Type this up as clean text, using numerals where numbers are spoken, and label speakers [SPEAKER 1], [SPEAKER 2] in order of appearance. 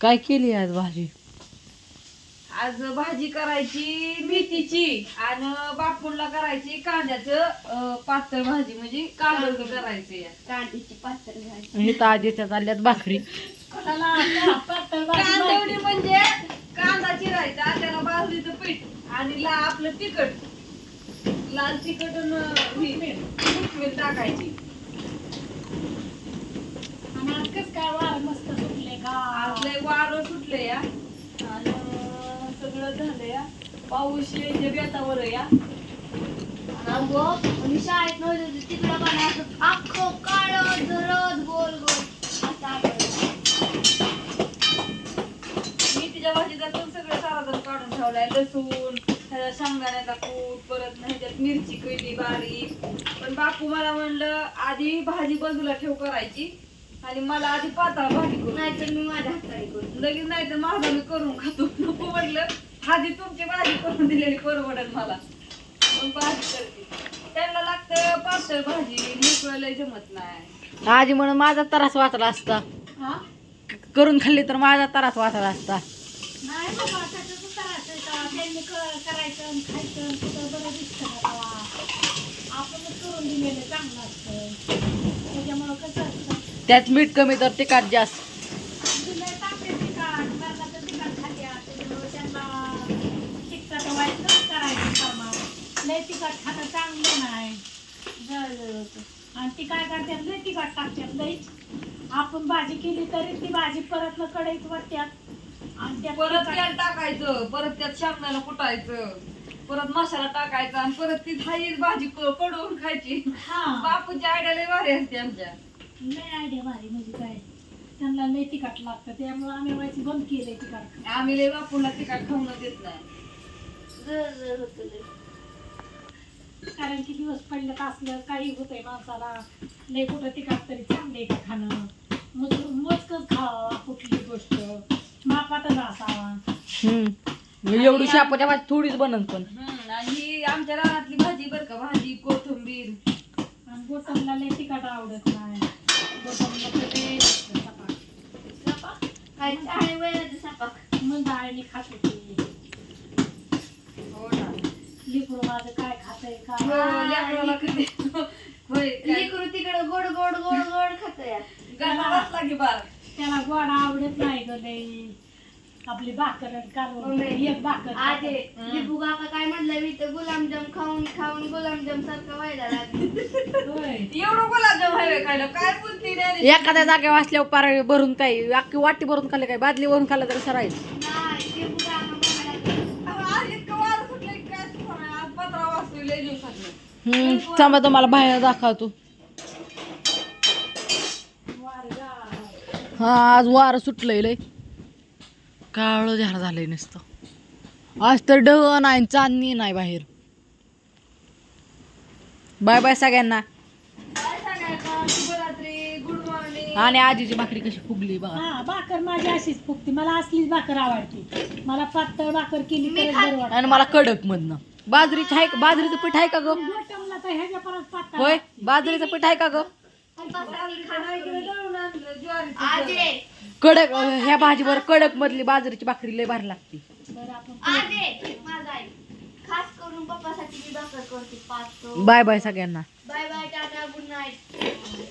[SPEAKER 1] काय केली आज भाजी?
[SPEAKER 2] आज भाजी करायची मेथीची आणि बापूला करायची कांद्याचं पातळ भाजी म्हणजे कांदा करायचे
[SPEAKER 3] कांद्याची पातळ भाजी.
[SPEAKER 1] हे ताजेच्या चालल्यात भाकरी.
[SPEAKER 2] कांदवडी म्हणजे कांदा चिरायचा, त्याला बाजरीचं पीठ आणि आपलं तिखट, लाल तिखट आणि मीठ टाकायची.
[SPEAKER 3] आणि आज कसं काय वार मस्त सुटले का?
[SPEAKER 2] आज लय वारं सुटले या आणि सगळं झालं या. पाऊस यायच्या बेतावर या.
[SPEAKER 3] आणि शाळेत नव्हतं तिकडं बनायचं अख्खं काळं झरत गोल गोल असं आठवलं.
[SPEAKER 2] मेथीच्या भाजीचा पण सगळं साराजण काढून ठेवलाय. लसूण, त्याचा शेंगदाण्याचा कूट, परत नाही त्यात मिरची केली बारीक. पण बापू मला म्हणलं आधी भाजी बाजूला ठेव करायची आणि मला आधी पातळ भाजी करू.
[SPEAKER 3] नाहीतर मी माझ्या हाताने करू.
[SPEAKER 2] लगेच नाही तर माझा मी करून खातो. नको म्हटलं आधी तुमची भाजी करून दिलेली परवडेल मला, मग भाजी करते. त्यांना लागतं पातळ भाजी, मोकळं लय जमत नाही.
[SPEAKER 1] आजी म्हणून माझा त्रास वाचला असता,
[SPEAKER 3] हा?
[SPEAKER 1] करून खाल्ली तर माझा त्रास वाचला असता.
[SPEAKER 3] नाही बाबा, त्याचं करायचं त्यांनी करायचं आणि खायचं आणि कुठं बरं दिसतं का तेव्हा. आपणच करून दिलेलं चांगलं असतं. त्याच्यामुळं कसं असतं,
[SPEAKER 1] त्यात मीठ कमी तर तिखट जास्त.
[SPEAKER 3] दिलं टाकते तिखट, मरणाचं तिखट खात्या. त्याच्यामुळं त्यांना तिखट व्हायचं करायचं कामात. लय तिखट खातं चांगलं नाही. आणि ती काय करतात, लय तिखट टाकतात लई. आपण भाजी केली तरी ती भाजी परत न कढईत वाटतात आणि त्यात
[SPEAKER 2] परत
[SPEAKER 3] तिखट-
[SPEAKER 2] तेल टाकायचं, परत त्यात शेंगदाणा कुटायचं, परत मसाला टाकायचा आणि परत ती थाळीच भाजी कडवून खायची.
[SPEAKER 3] हा.
[SPEAKER 2] बापूची आयडिया लय भारी असते आमच्या.
[SPEAKER 3] लय आयडिया भारी म्हणजे काय, त्यांना लय तिखट लागतं त्यामुळे आम्ही व्हायची बंद केलंय तिखट.
[SPEAKER 2] आम्ही लय बापूला तिखट खाऊन देत नाही.
[SPEAKER 3] कारण की दिवस पडलं का असलं काही होतंय माणसाला, लय कुठं तिखट तरी चांगले का खाणं. मोजकच खावा कुठली गोष्ट, मापातच असावा.
[SPEAKER 1] एवढी शापाच्या भाजी थोडीच बनत पण.
[SPEAKER 2] आणि ही आमच्या रानातली भाजी बर का, भाजी कोथिंबीर.
[SPEAKER 3] आणि गोटमला लय तिखट आवडत नाही. गोटमला तर लय सपाक. सपाक?
[SPEAKER 4] काय चाळे वयाचं सपाक.
[SPEAKER 3] मग डाळीने खाते ती.
[SPEAKER 2] हो ना.
[SPEAKER 3] लेकरू माझं काय खातंय
[SPEAKER 2] हो,
[SPEAKER 3] काय.
[SPEAKER 2] लेकराला किती होय काय.
[SPEAKER 4] लेकरू तिकडं गोड गोड गोड गोड खात या.
[SPEAKER 2] गाणं बसला की बार.
[SPEAKER 3] त्याला गोड आवडत नाही ग लय. आपली भाकर कालवून एक भाकर
[SPEAKER 4] आजे
[SPEAKER 3] खाते.
[SPEAKER 4] लिपू काका काय म्हणलं मी तर गुलाबजाम खाऊन खाऊन गुलाबजाम सारखं व्हायला लागलं.
[SPEAKER 3] होय.
[SPEAKER 2] एवढं गुलाबजाम हवे खायला, काय बोलते रे?
[SPEAKER 1] एखाद्या जागेवर असल्यावर पार भरून काय अख्खी वाटी भरून खाल्ले काय बादली भरून खाल्लं तरी सरायचं.
[SPEAKER 4] नाही लिपू काका म्हणायला लागले.
[SPEAKER 2] आज इतकं वारं सुटलंय की काय सुचणार नाही. आज 15 वाजता लय दिवसात.
[SPEAKER 1] थांबा तुम्हाला बाहेर दाखवतो. हा आज वारं सुटलंय लय, काळं झाड झालंय नुसतं. आज तर ढग नाही चांदणी नाही बाहेर. बाय बाय सगळ्यांना.
[SPEAKER 2] काय सांगायचं, शुभरात्री, गुड मॉर्निंग.
[SPEAKER 1] आणि आजीची भाकरी कशी फुगली बघा.
[SPEAKER 3] हा भाकर माझी अशीच फुगती. मला असलीच भाकर आवडते. मला पातळ भाकर केली तर बरं वाटतं.
[SPEAKER 1] आणि मला कडक मधनं बाजरीची आहे का? बाजरीचं पीठ आहे का ग?
[SPEAKER 3] गोटमला तर ह्याच्या परत पातळ
[SPEAKER 1] होय,
[SPEAKER 3] लागते.
[SPEAKER 1] बाजरीचं पीठ आहे का ग?
[SPEAKER 2] ज्वारीचं.
[SPEAKER 4] आजे
[SPEAKER 1] कडक ह्या भाजीवर कडक मधली बाजरीची भाकरी लय भारी लागते.
[SPEAKER 3] बरं आपण
[SPEAKER 4] आजे माझा आई खास करून पप्पासाठी मी भाकर करते 5.
[SPEAKER 1] बाय बाय सगळ्यांना.
[SPEAKER 4] Bye bye tata good night.